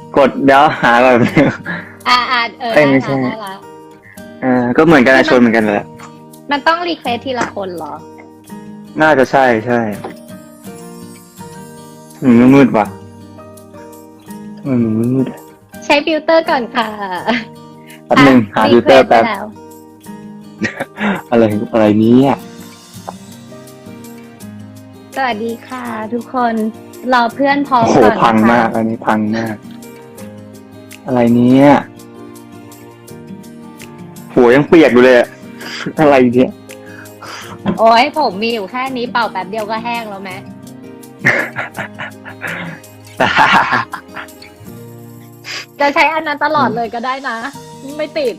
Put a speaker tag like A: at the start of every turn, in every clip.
A: กดเดี๋ยวหาแบบ
B: เอ้ย
A: ไม่
B: ได้
A: ใช่
B: ละได้ละ
A: ก็เหมือนกันนะชนเหมือนกันแหละ
B: มันต้องรีเควสทีละคนเหรอ
A: น่าจะใช่มันมืดว่ะทำไมมันมืดอะ
B: ใช้ฟิลเตอร์ก่อนค่ะ
A: แป๊บนึงหาฟิลเตอร์แป๊บ
B: รีควสไปล้ว
A: อะไรนี้อ่ะ
B: สวัสดีค่ะ ทุกคนรอเพื่อนพร้อม
A: โอ้โห
B: ก่อนนะคะ
A: พังมากอันนี้พังมาก อะไรเนี้ยหัวยังเปียกอยู่เลยอะ อะไรเนี่ย
B: โอ้ยผมมีอยู่แค่นี้เป่าแป๊บเดียวก็แห้งแล้วไหมจะใช้อันนั้นตลอดเลยก็ได้นะ ไม่ติด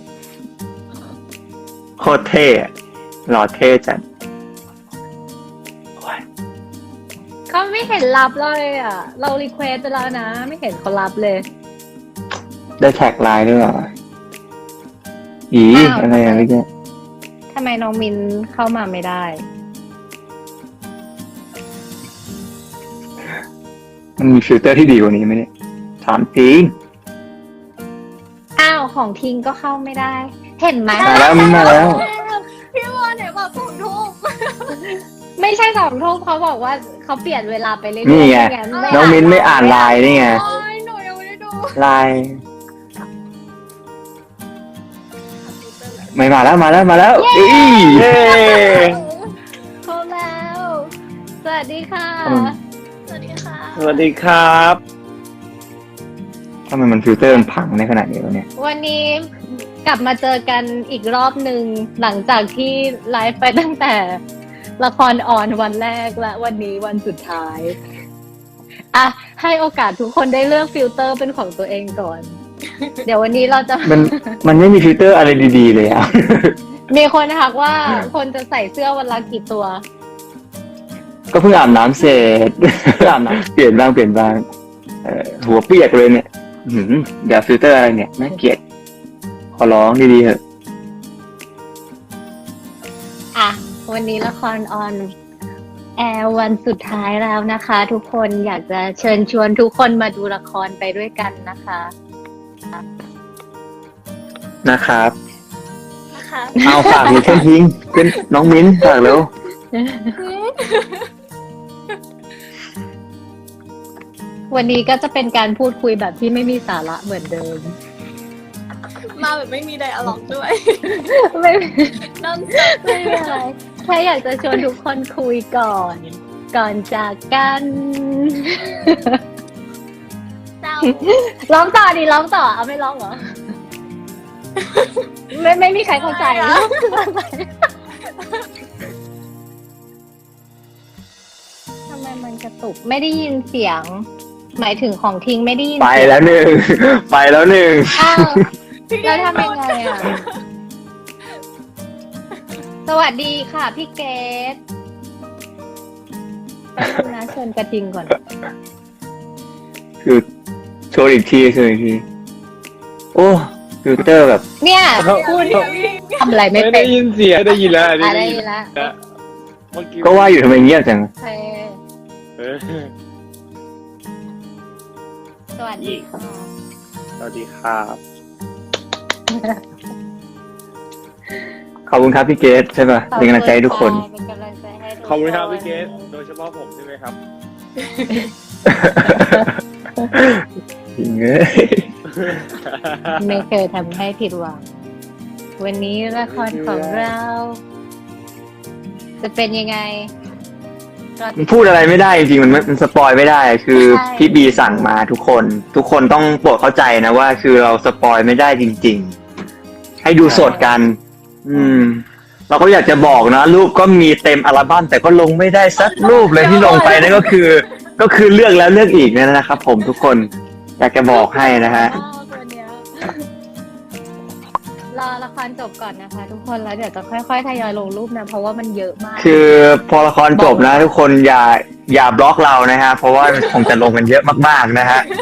A: โคตรเท่อะหล่อเท่จัดโอ้ย
B: เขาไม่เห็นรับเลยอ่ะ เรารีเควสไปแล้วนะ ไม่เห็นเขารับเลย
A: ได้แท็กไลน์ด้วยเหรออี
B: อ้าว
A: อะไรอะ
B: ทำไม
A: เมื่อกี้
B: ทำไมน้องมินเข้ามาไม่ได้
A: มันมีฟิลเตอร์ที่ดีกว่านี้ไหมเนี่ยถามจริง
B: อ้าวของทิ้งก็เข้าไม่ได้ เห็นไหม
A: มาแล้วมิ้นมาแล้ว
C: พี่วอนเนี่ยบอก2 ทุ่ม
B: ไม่ใช่2 ทุ่มเขาบอกว่าเขาเปลี่ยนเวลาไปเรื่อยๆ
A: นี่ไง
B: ม่
A: น้องมิ้นไม่อ่านไลน์นี่ไง
C: โอ้ยหนูยังไม่ได้ดู
A: ไลน์ไม่มาแล้วเอ้ยเย้
B: เข้าแล้ว สวัสดีค่ะ
C: สวัสดีค่ะ
D: สวัสดีครับ
A: ทำไมมันฟิลเตอร์มันพังในขนาดนี้วะเนี่ย
B: วันนี้กลับมาเจอกันอีกรอบหนึ่งหลังจากที่ไลฟ์ไปตั้งแต่ละครออนวันแรกและวันนี้วันสุดท้ายอ่ะให้โอกาสทุกคนได้เลือกฟิลเตอร์เป็นของตัวเองก่อน เดี๋ยววันนี้เราจะ
A: มันไม่มีฟิลเตอร์อะไรดีๆเลยอ่ะ
B: มีคนทักว่าคนจะใส่เสื้อวันละกี่ตัว
A: ก็เพิ่งอาบน้ำเสร็จ อาบน้ำเปลี่ยนบ้างหัวเปียกเลยเนี่ยเดี๋ยวฟิลเตอร์อะไรเนี่ยน่าเกลียดขอร้องดีๆเถอะ
B: อ่ะ วันนี้ละครออนแอร์วันสุดท้ายแล้วนะคะ ทุกคนอยากจะเชิญชวนทุกคนมาดูละครไปด้วยกันนะคะ
A: นะครับ
C: นะคะ
A: เอาฝากมีเพื่อนทิ้งเป็นน้องมิ้นฝากแล้ว
B: วันนี้ก็จะเป็นการพูดคุยแบบที่ไม่มีสาระเหมือนเดิม
C: มาแบบไม่มีไดอะล็อกด้วย
B: ไม่
C: นอนสด
B: ไม่มีอะไรแค่อยากจะชวนทุกคนคุยก่อน ก่อนจากกัน
C: เจ้า
B: ร้องต่อดิร้องต่อเอาไม่ร้องเหรอ ไม่มีใครเข้าใจทำไมมันกระตุกไม่ได้ยินเสียง หมายถึงของทิ้งไม่ได้ยิน
A: ไป
B: เสียง
A: แล้วหนึ่ง ไปแล้วหนึ่ง
B: อ้าว แล้วทำยังไงอ่ะ สวัสดีค่ะพี่เกดแป๊บนึงนะเชิญกระทิงก่อน
A: คือโชว์อีกทีโอ้ฟิลเตอร์แบบ
B: เนี่ยคุณทำอะไรไม่
D: ไม่
B: เป็
D: ได้
B: น
D: ยินเสียงได้ยินแล้ว
B: อ่ะได้ยินแล้ว
D: เมื่อกี้
A: ก็ว่าอยู่ทำไมเงียบจัง
B: โอเค
D: เออ
B: สวัสดีค่ะ
D: สวัสดีครับ
A: ขอบคุณครับพี่เกสใช่ป่ะเป็นกำลังใจให้ทุกคน
B: เป็นกำลังใจให้ทุกน
D: ขอบคุณครับพี่เกสโดยเฉพาะผมใช่ไหมครับ
A: จริงเอ้ย
B: ไม่เคยทำให้ผิดหวัง วันนี้ละครของเรา จะเป็นยังไงก็
A: มันพูดอะไรไม่ได้จริงๆมันสปอยไม่ได้ คือ
B: ใช่
A: พี่บีสั่งมาทุกคนต้องโปรดเข้าใจนะว่า คือเราสปอยไม่ได้จริง ๆ ให้ดูสดกัน เราก็อยากจะบอกนะรูปก็มีเต็มอัลบั้มแต่ก็ลงไม่ได้สักรูปเลยที่ลงไปนั่นก็คือเลือกแล้วเลือกอีกนั่นนะครับ ผมทุกคนอยากจะบอกให้นะฮะ
C: ตัวเนี้ย
B: รอละครจบก่อนนะคะ ทุกคนแล้วเดี๋ยวจะค่อยๆทยอยลงรูปนะเพราะว่ามันเยอะมาก
A: คือพอละครจบนะ ทุกคนอย่าบล็อกเรานะฮะเพราะว่าคงจะลงกันเยอะมากๆนะฮะ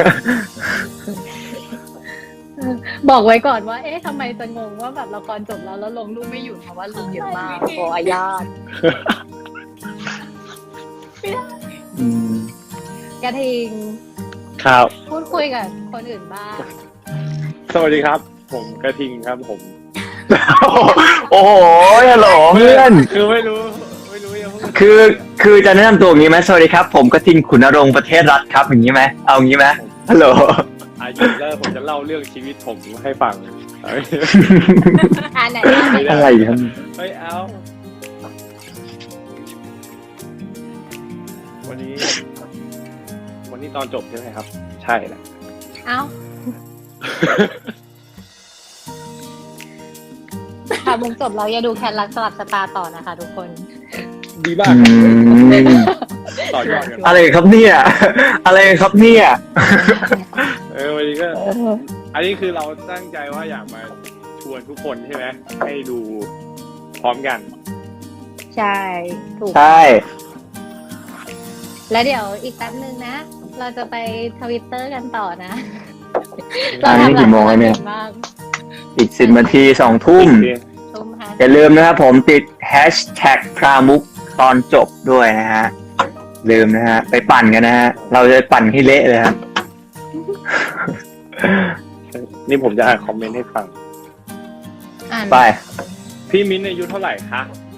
B: บอกไว้ก่อนว่า เอ๊ะทำไมจะงงว่าแบบละครจบแล้วลงรูปไม่หยุดเพราะว่าลงเยอะมากขออนุญาต
A: อืม
B: กระทิง
D: ครับ
B: พูดคุยกับคนอื่นบ้าง
D: สวัสดีครับ ผมกระทิงครับผม
A: โอ้โหฮัลโหลเพื่อน
D: คือไม่รู้ยังพูด
A: คือจะแนะนำตัวอย่างนี้ไหมสวัสดีครับ ผมกระทิงขุนนรงค์ประเทศรัฐครับอย่างนี้ไหมเอาอย่างนี้ไหมฮัลโหล
D: อายุแล้วผมจะเล่าเรื่องชีวิตผมให้ฟัง
B: ไหน
A: อะไรครับ
D: ไม่เอา วันนี้ตอนจบใช่ไหมครับ ใช่แหละ
B: เอ้าค่ะมุมจบเราอย่าดูแคนรักสลับสตาร์ต่อนะคะทุกคน
D: ดีมาก
A: อืม
D: ต่อยอดกัน
A: อะไรครับเนี่ย อะไรครับเนี่ย
D: วันนี้ก็ อันนี้คือเราตั้งใจว่าอยากมาชวนทุกคนใช่ไหมให้ดูพร้อมกัน
B: ใช่ถูก
A: ใช่
B: แล้วเดี๋ยวอีกแป๊บนึงนะ เราจะไปทวิตเตอร์กันต่อนะ
A: อันนี้กี่โมงแล้วเนี่ย
B: บ้าง
A: อีก10 นาที2 ทุ่ม
B: ทุ่มค่ะ
A: อย่าลืมนะครับผมติดแฮชแท็กพรามุกตอนจบด้วยนะฮะ ลืมนะฮะ ไปปั่นกันนะฮะ เราจะปั่นให้เละเลยครับ
D: นี่ผมจะอ่านคอมเมนต์ให้ฟัง
B: อ่าน
A: ไป
D: พี่มิ้นท์อายุเท่าไหร่คะ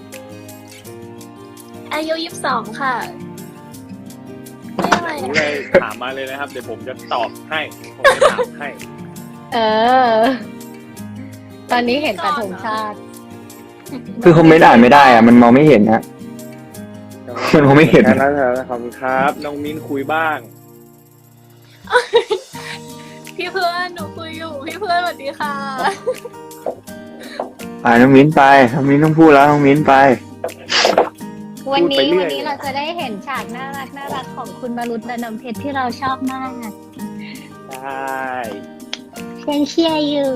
C: อายุ22 ค่ะไม่อะไร
D: รู้
C: อะ
D: เลยถามมาเลยนะครับ เดี๋ยวผมจะตอบให้ ผมจะถามให้
B: เออ ตอนนี้เห็นแต่ธงชาติ
A: คือคอมเมนต์อ่านไม่ได้อะมันมองไม่เห็นนะ มันคงไม่เห็น
D: แค่นั้นครับขอบคุณครับ น้องมิ้นท์คุยบ้าง
C: พี่เพื่อนหนูคุยอยู่พี่เพื่อนสวัสดีค่ะ
A: ไปน้องมิ้นไปน้องมิ้นต้องพูดแล้วน้องมิ้นไป
B: วัน
D: พูดไป
B: นี้
D: เรื่อย
B: วันนี้เราจะได้เห็นฉากน่ารักของคุณมารุตและน้ำเพชรที่เราชอบมาก
D: ใช่
B: ยังเชียร์อยู่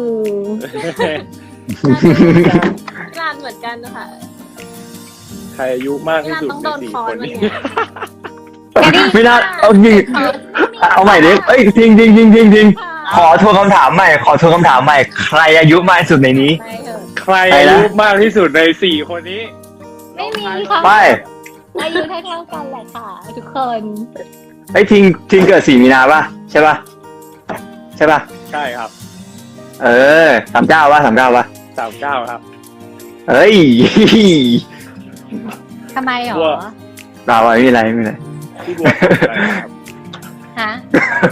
C: งานเหมือนกันนะคะ
D: ใครอายุมากที่สุด
C: ต้อง
D: ใน
C: โดน
D: สี่
C: คอ
D: คน น
C: วัน
D: นี้
C: เนี้ย
A: ไม่น่าเอาจริงเอาใหม่ดิเอ้ยจริงจริงจริงจริงจริงขอทวนคำถามใหม่ ใครอายุมากที่สุดในนี้
B: ไปเถอะ
D: ใครอายุมากที่สุดในสี่คนนี้
B: ไม่มีค่ะ
A: ไป
B: อายุเท่าๆกันแหละค่ะ ทุกคน
A: ไอ้ยทิงเกิด4 มีนาป่ะใช่ป่ะใช่ป่ะ
D: ใช่ครับ
A: เออ39ป่ะ39ป่ะ
D: 39ครับ
A: เฮ้ย
B: ทำไมหรอ
D: กลัว
A: เราไม่มีอะไรไม่มีอะไร
D: พี่บัวทำอะไรครับ
B: ฮะ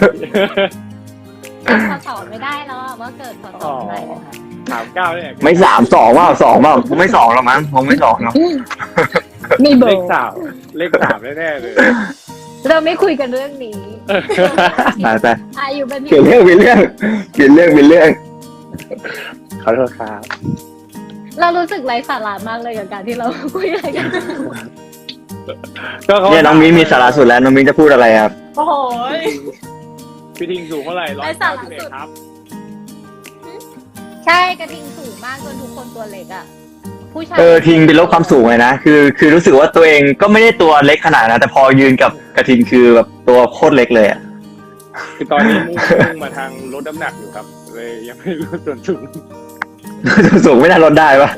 B: พอสอบไม่ได้แล้วอะว่าเกิดพอสอบอะไรนะคะ
D: 39เนี่ย
A: ไม่3 2ว่า2ว่าผมไม่2หรอกมั้งผมไม่2หรอก
B: มีเบอ
D: เลข
B: ร์
D: 3แน่ๆเลย
B: เราไม่คุยกันเรื่องนี้
A: ไป
B: อายุเป็น
A: เปลี่ยนเรื่อง
D: ขอโทษครับ
B: เรารู้สึกไร้สาระมากเลยกับการที่เราคุยอะไรกัน
A: เนี่ยน้องมิ้นมีสาระสุดแล้วน้องมิ้นจะพูดอะไรครับ
C: โอ้โห
D: พี่ทิงสูงเท่าไหร่
C: ไร้สาระสุด
D: 191ครับ
B: ใช่กระทิงสูงมากจนทุกคนตัวเล็กอ่ะ ผู้ชาย
A: ทิงเป็นลบความสูงเลยนะคือรู้สึกว่าตัวเองก็ไม่ได้ตัวเล็กขนาดนะแต่พอยืนกับกระทิงคือแบบตัวโคตรเล็กเลยอะ
D: คือตอนนี้มุ่งมาทางลดน้ำหนักอยู่ครับ เลยยังไม่รู้ส่วนสูง
A: สูงไม่น่าลดได้ปะ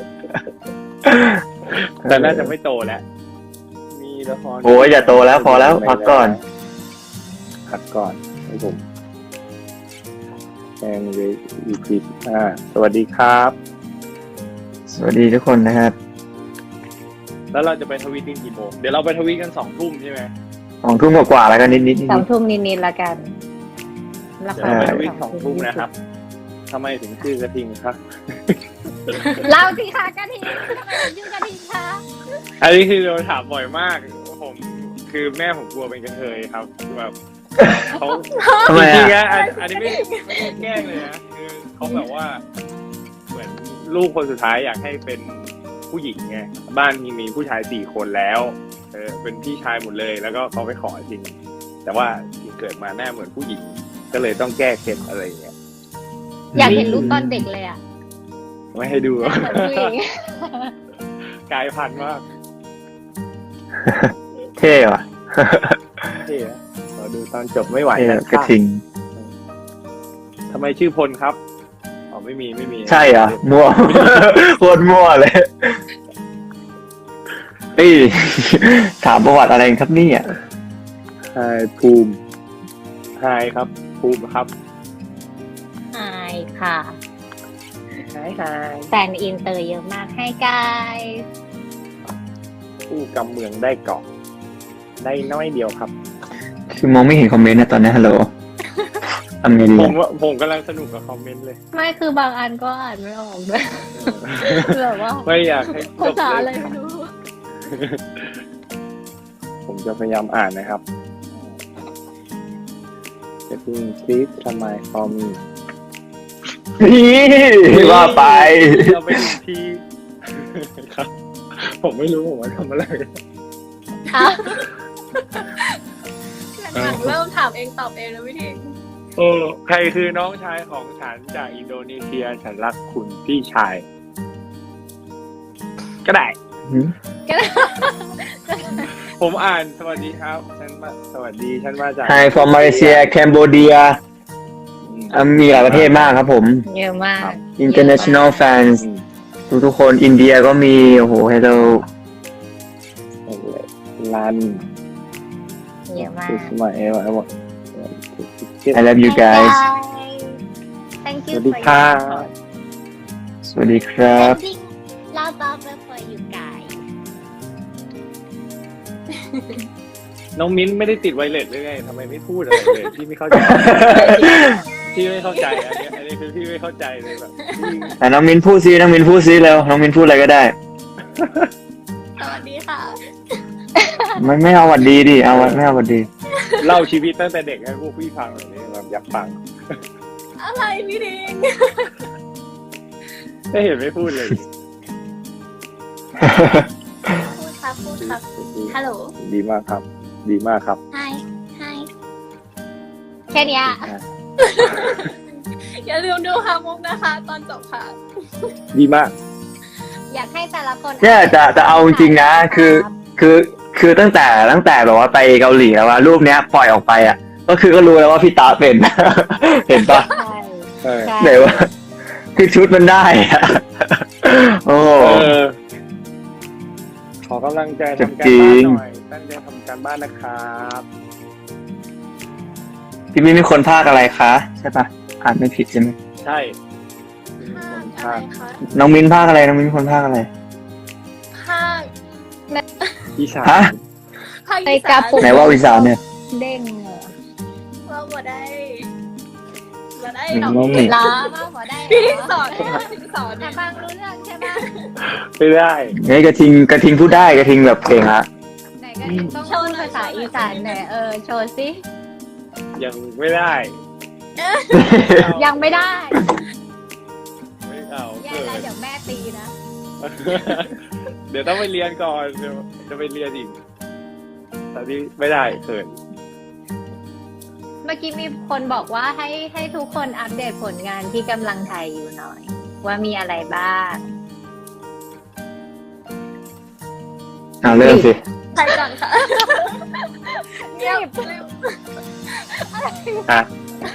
D: แต่น่าจะไม่โตแล้ว มีละคร
A: โอ้ยอย่าโตแล้วพอแล้วพักก่อน
D: พักก่อนให้ผมแองเวอีพีสวัสดีครับ
A: สวัสดีทุกคนนะครับ
D: แล้วเราจะไปทวีตกันกี่โมง เดี๋ยวเราไปทวีตกัน2 ทุ่มใช่ไหม
A: 2 ทุ่มกว่าๆแล้วก็นิด
B: 2 ทุ่มนิดๆละกันละ
D: เดี๋ยว
B: คร
D: เราไปทวีต2 ทุ่มนะครับทำไมถึงชื่อกระทิงครับ
B: เล่าสิคะกระทิงทำไมถึงชื่อกระทิงคะ
D: อันนี้คือเราถามบ่อยมาก ผมคือแม่ผมกลัวเป็นกระเทยครับแบบเขา
A: ทำไม
D: จริงๆ
A: อะ
D: นะอันนี้ไม่ได้แกล้งเลยนะคือเขาแบบว่า เหมือนลูกคนสุดท้ายอยากให้เป็นผู้หญิงไงบ้านมีผู้ชาย4 คนแล้วเป็นพี่ชายหมดเลย แล้วก็เขาไปขอจริง แต่ว่าเกิดมาหน้าเหมือนผู้หญิง ก็เลยต้องแก้เคล็ดอะไรอย่างเงี้ย
B: อยากเห็นรูปตอนเด็กเลยอ่ะ
D: ไม่ให้ดู
B: หน้าเหมือนผู้หญิง
D: กลายพันธุ์มาก
A: เท่ว่ะ
D: เท่อะขอดูตอนจบไม่ไหว
A: เท่
D: นะ
A: กระทิง
D: ทำไมชื่อพลครับอ๋อไม่มี
A: ใช่เหรอมั่ว โคตรมั่วเลยเฮ้ยถามประวัติอะไรครับเนี่ย
D: ไฮภูมิไฮไฮครับภูมิครับ
B: ไฮค่ะ
D: ไฮไฮ
B: แฟนอินเตอร์เยอะมากให้กาย
D: ผู้กำเมืองได้เกาะได้น้อยเดียวครับ
A: คือมองไม่เห็นคอมเมนต์นะตอนนี้ฮัลโหลทำไงดี
D: ผมกำลังสนุกกับคอมเมนต์เลย
B: ไม่คือบางอันก็อ่านไม่ออกด้วย แบบว่า
D: ไม่อยากให้จ
B: ภา
D: บ
B: ษา
D: เล
B: อะไร
D: ย
B: ไม่รู้
D: ผมจะพยายามอ่านนะครับจะพิมพ์ please ทำไม for me
A: นี่ว่าไป
D: เราไปดูที่ ครับ ผมไม่รู้ผมว่าทำอะไร
B: อ่ะ
C: หลังๆเริ่มถามเองตอบเองแล้วพี่ทิง
D: โอ้ใครคือน้องชายของฉันจากอินโดนีเซียฉันรักคุณพี่ชาย ก็ได้
B: ก็ได้
D: ผมอ่านสวัสดีครับสวัสดีฉันมาจาก
A: Hi from Malaysia Cambodia มีหลายประเทศมากครับผม
B: เยอะมาก
A: International fans ทุกๆคนอินเดียก็มี โอ้โห hello
D: ลัน
B: เยอะมาก
D: สมัยว่า
A: I love you guys
B: Thank
D: ส
B: you
D: วัสดี
B: for
D: ค่ะ
B: your support
A: สวัสดีครับ
B: Sending love over for you guys
D: น้องมิ้นไม่ได้ติดไวเลสเลยไงทำไมไม่พูดอะไรเลยพี่ไม่เข้าใจ พี่ไม่เข้าใจอันนี้คือพี่ไม่เข้าใจเลยแบบ
A: แต่น้องมินพูดซิน้องมินพูดซิแล้วน้องมินพูดอะไรก็ได้
C: สวัสดีค่ะ
A: ไม่เอาหวัดดีดิไม่เอาหวัดดี
D: เล่าชีวิตตั้งแต่เด็กให้พวกพี่ฟังหน่อยนี่แบบอยากฟัง
C: อะไรพี่ทิง
D: ไม่เห็นไม่พูดเลย
C: พูดครับพูดครับฮัลโหล
D: ดีมากครับ ดีมากครับ
C: ไฮไฮ
B: แค่เนี้ย
C: อย่าลืมดูฮามุกนะคะ ตอนจบค่ะ
D: ดีมาก
B: อยากให้แต่ละคน
A: เนี่ยจะเอาจริงๆนะคือตั้งแต่แบบว่าไปเกาหลีแล้วว่ารูปเนี้ยปล่อยออกไปอ่ะ ก็คือก็รู้แล้วว่าพี่ตาเป็น เห็นปะ
B: ใช่
D: เออ
B: ใช่
A: ไหนว่าคือชุดมันได้อะโอ้
D: เออขอกำลังใจทำการ
A: จริ
D: บ้าน
A: ง
D: หน่อย ตั้งใจทำการบ้านนะครับ
A: พี่มีคนภาคอะไรคะใช่ปะอ่านไม่ผิดใช่ไหม
D: ใช่
C: ภาคอะไรคะ
A: น้องมินภาคอะไรน้องมินคนภาคอะไร
C: ภาค
D: อีสาน
A: ฮะ
C: ภาค
B: ไป
C: อี
B: กา
C: สาน
B: ปุก
A: ไหนว่าอีสานเนี่ย
B: เด้งเหรอ
C: ว่าบ่ได้บ่ได้
A: อืม
C: ดอก
B: ล้อว่าหัวได้เหร
C: พี่ทิง
B: อ
C: สอนให้พี่ทิงสอน
B: แต่
C: นะ
B: บางรู้เรื่องใช่ปะ
D: ไม่ได้
A: เฮ้ยกระทิงพูดได้กระทิงแบบเก่งอะ
B: ไหนก็ต้องพูดภาษาอีสานหน่อยโชว์สิ
D: ยังไม่ได้
B: ยังไม่ได้
D: ไม่เอา
B: แย่แล้วเดี๋ยวแม่ตีนะ
D: เดี๋ยวต้องไปเรียนก่อนเดี๋ยวจะไปเรียนอีกตอนนี้ไม่ได้เขิน
B: เมื่อกี้มีคนบอกว่าให้ทุกคนอัปเดตผลงานที่กำลังถ่ายอยู่หน่อย ว่ามีอะไรบ้าง
A: เอาเริ่มสิ
C: ใครก่อนค่ะ
B: เงียบ
D: อ่ะ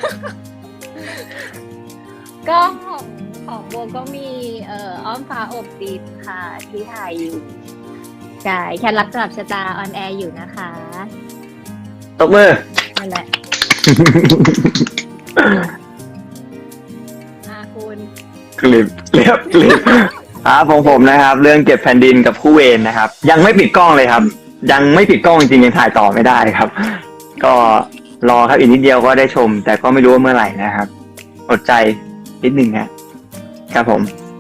B: ก็ของโบก็มีอ้อมฟ้าอบดินค่ะ ที่ถ่ายอยู่ใช่แค่รักกลับชะตาออนแอร์อยู่นะคะ
A: ตบมือ
B: นั่นแหละคุณ
A: คลิปครับของผมนะครับ เรื่องเก็บแผ่นดินกับคู่เวรนะครับ ยังไม่ปิดกล้องเลยครับ ยังไม่ปิดกล้องจริงๆยังถ่ายต่อไม่ได้ครับ ก็รอครับอีกนิดเดียวก็ได้ชม แต่ก็ไม่รู้ว่าเมื่อไหร่นะครับอดใจนิดนึงครับผม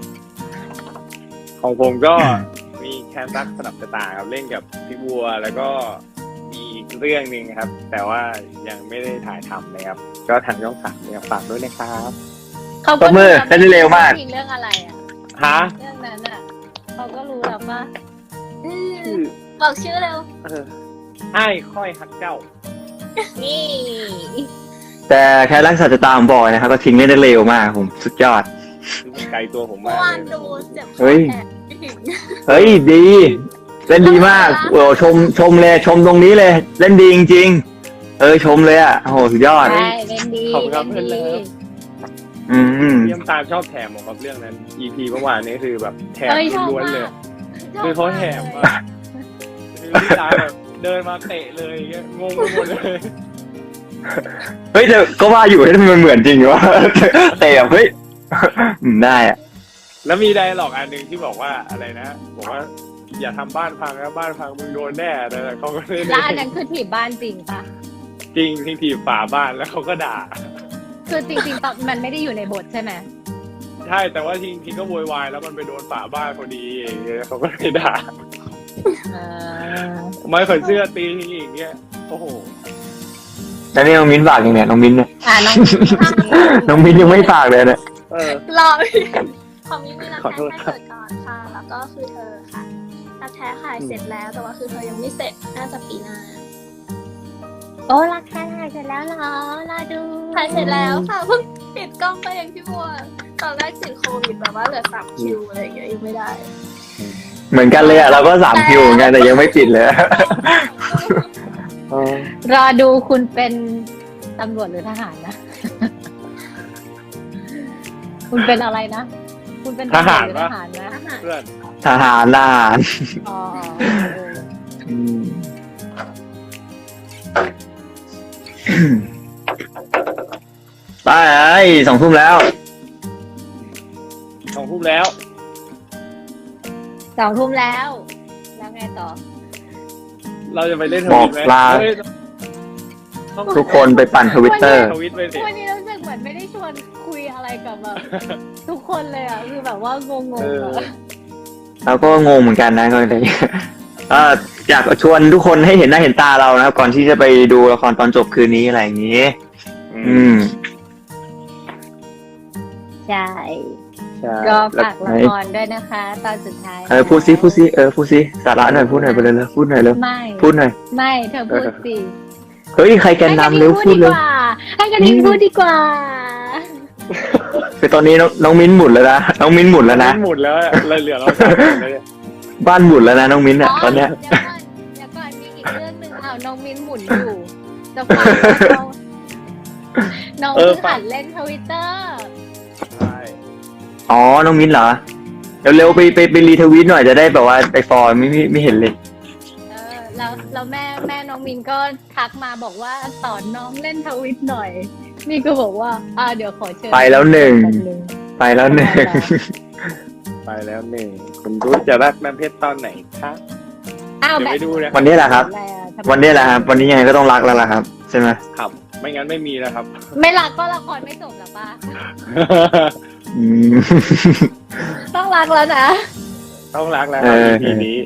D: ของผมก็มีแคนซัสสนับชะตาครับเล่นกับพี่บัวแล้วก็มีอีกเรื่องหนึ่งครับ แต่ว่ายังไม่ได้ถ่ายทำนะครับ ก็ทางช่องสามเนี่ยฝากด้วยนะครับ
B: เขา
A: ตบมือได้เร็วมาก
B: จริงเรื่องอะไรอ่ะ
D: ฮะ
B: เรื่องนั้นอ่ะเขาก็รู้แล้วว่า
D: ชื่อ
C: บอกชื่อเร็ว
D: ไอ้ค่อยฮักเจ้า
B: นี่
A: แต่แค่รักษาจะตามบอกนะครับก็ทิ้งได้เร็วมากผมสุดยอด
D: คือมันไกลตัวผม
C: เมื่
D: มา
C: อก วาน
D: เลย
C: ดูเจ็บค
A: เฮ้
C: อย แทนพี่ทิง
A: เฮ้ยดีเล่นดีมากโอ้ชมเลยชมตรงนี้เลย เล่นดีจริงๆชมเลยอ่ะโอ้โหสุดยอด
B: ใช่เล่นดี
D: ขอบคุณครับ
B: เล่น
D: เพื่อน
B: ดี
D: เลิฟ
A: อืม
D: พี่ยมตามชอบแถมของครับเรื่องนั้น EP เมื่อวานนี้คือแบบแถม
B: เอ้ยชอบ
D: ล้วนๆ
B: มา
D: เลย
B: ก
D: คือเขาแถมอะคือพี่ตาแบบเดินมาเตะเลยอย่างเงี้ยงงไปหมดเลย
A: เฮ้ยแต่ก็ว่าอยู่ให้ทำไมมันเหมือนจริงวะ แต่แบบเฮ้ยได้อะ
D: แล้วมีไดร์ล็อกอันหนึ่งที่บอกว่าอะไรนะบอกว่าอย่าทำบ้านพังนะบ้านพังมึงโดนแน่แต่เขาก็ไม่
B: แล้ว
D: ได้
B: อันนั้นคือถีบบ้านจริงปะ
D: จริงที่ถีบฝาบ้านแล้วเขาก็ด่า
B: คือจริงๆตอนมันไม่ได้อยู่ในบทใช่ไหม
D: ใช่แต่ว่าทีก็โวยวายแล้วมันไปโดนฝาบ้านพอดีอย่างเงี้ยเขาก็เลยด่า
B: อ่า
D: ไม่ขนเสื้อตีทีอย่างเงี้ยโอ้โห
A: แล้วนี่น้องมิ้นฝากยังเนี่ยน้องมิ้นเนี่ย
B: น้อง
A: น้องมิ้นยังไม่ฝากเลยเนี่ย
D: เออ
C: รอของมินมีรัก
D: ขอโท
C: แท้
D: ษ
C: แค่เกิดก่อนค่ะ แล้วก็คือเธอค่ะรักแท้ขายเสร็จแล้วแต่ว่าคือเธอยังไม่เสร็จน่าจะปีหน้า
B: โอ้รักแค่ถ่ายเสร็จแล้วเหรอรอดู
C: ถ่ายเสร็จแล้วค่ะเพิ่งปิดกล้องไปเองพี่บัวตอนแรกติดโควิดแบบว่าเหลือ3 คิวอะไรอย่างเงี้ยยังไม่ได้
A: เหมือนกันเลยอะเราก็3 คิวเหมือนกันแต่ยังไม่ปิดเลย
B: รอดูคุณเป็นตำรวจหรือทหารนะ คุณเป็นอะไรนะ คุณเป็นตำรวจหรือทหารนะ
C: อาหาร
D: เพื่อน
A: ทหารทหาร
B: อ๋อเออ
A: อืมไป2 ทุ่มแล้ว
D: 2 ทุ่มแล้ว
B: 2 ทุ่มแล้ว แล้วไงต่อ
D: เราจะไปเล่นท
A: บอ
D: วิ
A: ก
D: ตไหม
A: ลา
D: เฮ้ยต้อง
A: ทุกคนไปปั่นทวิตเตอร์
D: ทวิตไปสิ
B: วันนี้รู้สึกเหมือนไม่ได้ชวนคุยอะไรกับแบบ ทุกคนเลยอ่ะ คือแบบว่างง
D: เอ
B: ๆ
D: อ
B: อะ
A: เราก็งงเหมือนกันนะก็เลยอยากชวนทุกคนให้เห็นหน้าเห็นตาเรานะครับ ก่อนที่จะไปดูละครตอนจบคืนนี้อะไรอย่างนี้ อืม
B: ใช่
A: ใช่
B: ก็
A: แล้ว
B: ฝากละครด้วยนะคะ ตอนสุดท้าย
A: พูดซิสาระหน่อยพูดหน่อยไปเลยพูดหน่อยเร็ว
B: ไม่
A: พูดหน่อย
B: ไม่เธอพูดสิ
A: เฮ้ยใครแกนนำเร็วพูดเลย
B: ให้กันนิงพูดดีกว่า
A: คือตอนนี้น้องมิ้นหมุนแล้วนะน้องมิ้นหมุนแล้วนะ
D: หมุนแล้วเลยเหลือเรา3 คนเลย
A: บ้านหมุนแล้วนะน้องมิ้นเนี่ยตอนเนี้ย
B: เดี๋ยวก่อนมีอีกเรื่องหนึ่งอ้าวน้องมิ้นหมุนอยู่จะฟังว่าน้องเพิ่งหัดเล่นทวิตเตอร์
D: ใช่
A: อ๋อน้องมิ้นเหรอเร็วๆไปรีทวีตหน่อยจะได้แบบว่าไปฟอร์ไม่เห็นเลย
B: แล้วแม่น้องมินก็ทักมาบอกว่าสอนน้องเล่นทวิตหน่อยนี่ก็บอกว่าเดี๋ยวขอเชิญ
A: ไปแล้วหนึ่ง
B: แป๊บนึง
A: ไปแล้วหนึ่ง
D: ไปแล้ว1คุณรู้จะรักน้ำเพชรตอนไหนครับ
B: อ้าว
D: เดี๋ยว
B: แบบ
D: ไปดูนะ
A: วันนี้แหละครับ วันนี้แหละครับ วันนี้ยังไงก็ต้องรักแล้วล่ะครับใช่ไหม
D: ครับ ไม่งั้นไม่มีแล้วครับ
B: ไม่รักก็ละครไม่จบหรอป้า
A: อืม
B: ต้องรักแล้วนะ
D: ต้องรักแล้วครับ
A: เออ
D: ทีนี้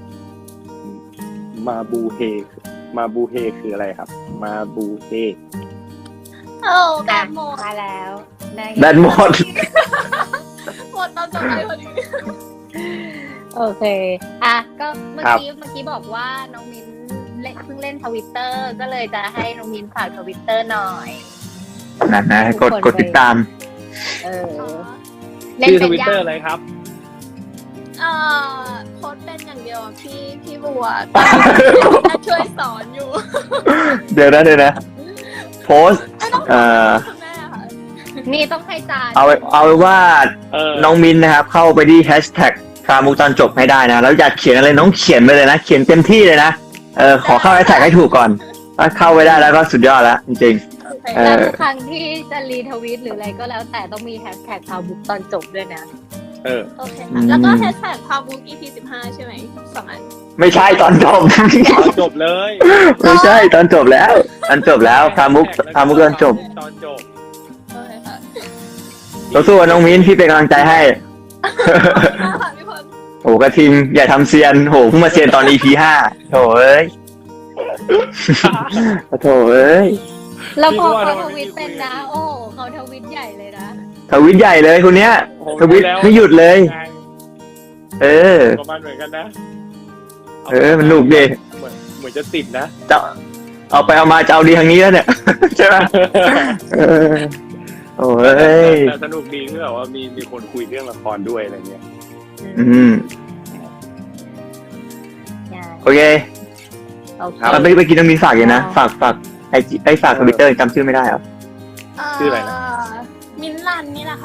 D: มาบูเฮคืออะไรครับ มาบูเฮ
C: โอ้แบบหมด
B: มาแล้วได้ไง
A: แบตหมด
C: หมดตอนจบไปพอดี
B: โอเคก็เมื่อกี้บอกว่าน้องมินเพิ่งเล่นทวิตเตอร์ก็เลยจะให้น้องมินฝากทวิตเตอร์หน่อย
A: นั่นนะกดติดตาม
B: เออ เล่น
D: ชื่อท
B: เป็น
D: วิต
B: ยั
D: เตอร์อะไรครับ
C: โพสต์เป็นอย่างเดียวอะพี่บัวช่วยสอนอยู่
A: เดี๋ยวนะโพสต์
C: ไม่ต้องส
A: เอ่
C: อน
A: อ
C: คุณแม่ค่ะ
B: นี่ต้องให้จาน
A: เอาไว้ว่า
D: เออ
A: น้องมินนะครับ เข้าไปที่แฮชแท็กคามุกตอนจบให้ได้นะ แล้วอยากเขียนอะไรน้องเขียนไปเลยนะ เขียนเต็มที่เลยนะขอเข้าแฮชแท็กให้ถูกก่อนถ้าเข้าไปได้แล้วก็สุดยอดแล้วจริงๆ
B: แล้วทุกครั้งที่จะรีทวิตหรืออะไรก็แล้วแต่ต้องมีแฮชแท็กข่าวบุ๊กตอนจบด้วยนะ
D: เออ
C: โอเคค่ะแล้วก็แฮชแท็กพาวบุ๊ก EP 15 ใช่ไหม2 อัน
A: ไม่ใช่ตอนจบ
D: ตอนจบเลย
A: ไม่ใช่ตอนจบแล้วตอนจบแล้วคามุกตอนจบ
D: ตอนจบ
C: โอเคค่ะ
A: สู้ๆน้องมิ้นพี่เป็นกำลังใจให้
C: น่าค่ะพี่พล
A: โอ้กระทิงอย่าทำเซียนโหเพิ่งมาเซียนตอน EP 5โถเอ้ย โถเอ้ย
B: แล้วพอเขาทวิตเป็นนะ โอ้โหเขาทวิตใหญ่เลยนะ
A: ทวิตใหญ่เลยคนเนี้ย ทวิตไม่หยุดเลย เออ
D: ประมาณเหมือนกันนะ
A: มันหนุกดิ
D: เหมือนจะติดนะ
A: จะเอาไปเอามาจะเอาดีทางนี้แล้วเนี่ย ใช่ไหมเออโอ้ย
D: แต่สนุกดีที่แบบว่ามีคนคุยเรื่องละครด้วยอะไรเงี้ย
A: อืมโอเค
B: โอเค
A: แล้วไปกินต้องมีฝากอยู่นะฝากไอ้ฝากทวิตเตอร์จำชื่อไม่ได้เหรอ
D: ชื่ออะไรนะ
C: มินลันนี่แหละค่ะ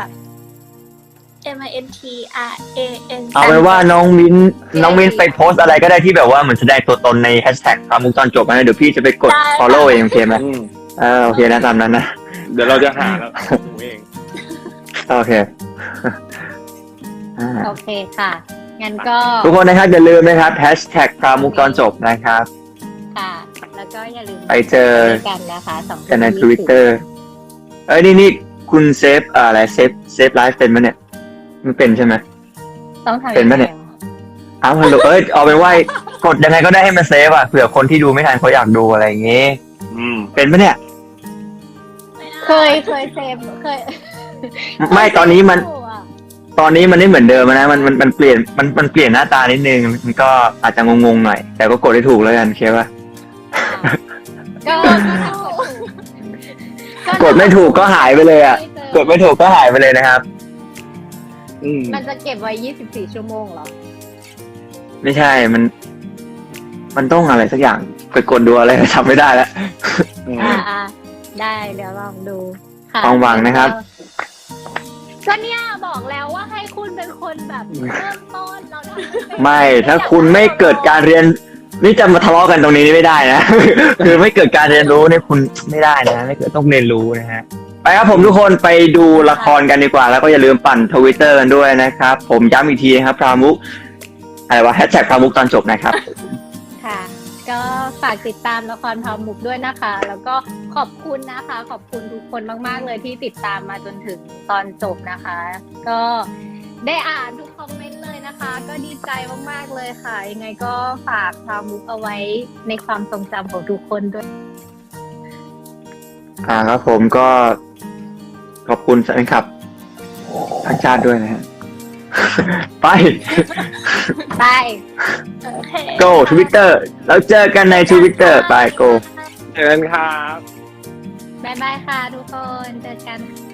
C: MINTRAN
A: เอาไว้ว่าน้องมิ้นไปโพสต์อะไรก็ได้ที่แบบว่าเหมือนแสดงตัวตนในแฮชแท็กคามุกตอนจบนะเดี๋ยวพี่จะไปกด follow เองโอเคไหมโอเคนะตามนั้นนะ
D: เดี๋ยวเราจะหาแล้วหนูเอง
A: โอเคอ่า
B: โอเคค่ะ งั้นก็
A: ทุกคนนะครับอย่าลืมนะครับแฮชแท็กพรามุกตอนจบนะครับ
B: ค่ะ แล้วก็อย่าลืม
A: ไปเจอ
B: กันนะคะ2
A: กันใน Twitter นี่คุณเซฟอะไรเซฟไลฟ์เป็นไหมเนี่ยไม่เป็นใช่ไหม
B: ต้องทำ
A: เป็นปะเนี่ย อ้าวฮัลโหลเอาเป็นว่ากดยังไงก็ได้ให้มันเซฟอ่ะเผื่อคนที่ดูไม่ทันเขาอยากดูอะไรอย่างงี้ เป็นปะเนี่ย
B: เคยเซฟเคย
A: ไม่ตอนนี้มันไม่เหมือนเดิมนะมันเปลี่ยนมันเปลี่ยนหน้าตานิดนึงมันก็อาจจะงงๆหน่อย แต่ก็กดได้ถูกแล้วกันเคป่ะ
B: ก็
A: กดไม่ถูกก็หายไปเลยอ่ะ กดไม่ถูกก็หายไปเลยนะครับ
B: มันจะเก็บไว้24 ชั่วโมงเหรอ
A: ไม่ใช่มันต้องอะไรสักอย่างไปกดดูอะไรทำไม่ได้แล้ว
B: อ่าได้เดี๋ยวลองดูค่ะ
A: ความหวังนะครับ
B: ก็เนี่ยบอกแล้วว่าให้คุณเป็นคนแบบเริ่มต้นเราทำเป็น
A: ไม่ถ้าคุณไม่เกิดการเรียนนี่จะมาทะเลาะกันตรงนี้ไม่ได้นะ คือไม่เกิดการเรียนรู้เนี่ยคุณไม่ได้นะไม่เกิดต้องเรียนรู้นะฮะไปครับผมทุกคนไปดูละครกันดีกว่า แล้วก็อย่าลืมปั่นทวิตเตอร์กันด้วยนะครับ ผมย้ำอีกทีนะครับพรามุกอะไรวะแฮชแท็กพรามุกตอนจบนะครับ
B: ค่ะ ก็ฝากติดตามละครพามุกด้วยนะคะ แล้วก็ขอบคุณนะคะ ขอบคุณทุกคนมากๆเลยที่ติดตามมาจนถึงตอนจบนะคะ ก็ได้อ่านทุกคอมเมนต์เลยนะคะ ก็ดีใจมากๆเลยค่ะ ยังไงก็ฝากพามุกเอาไว้ในความทรงจำของทุกคนด้วย
A: ครับผมก็ขอบคุณแฟนคลับทั้งชาติด้วยนะฮะ ไป
B: ไป
C: โอเค
A: go Twitter แล้วเจอกันใน Twitter ไป go
D: เชิญครับ
B: บ๊ายบายค่ะทุกคน เจอกัน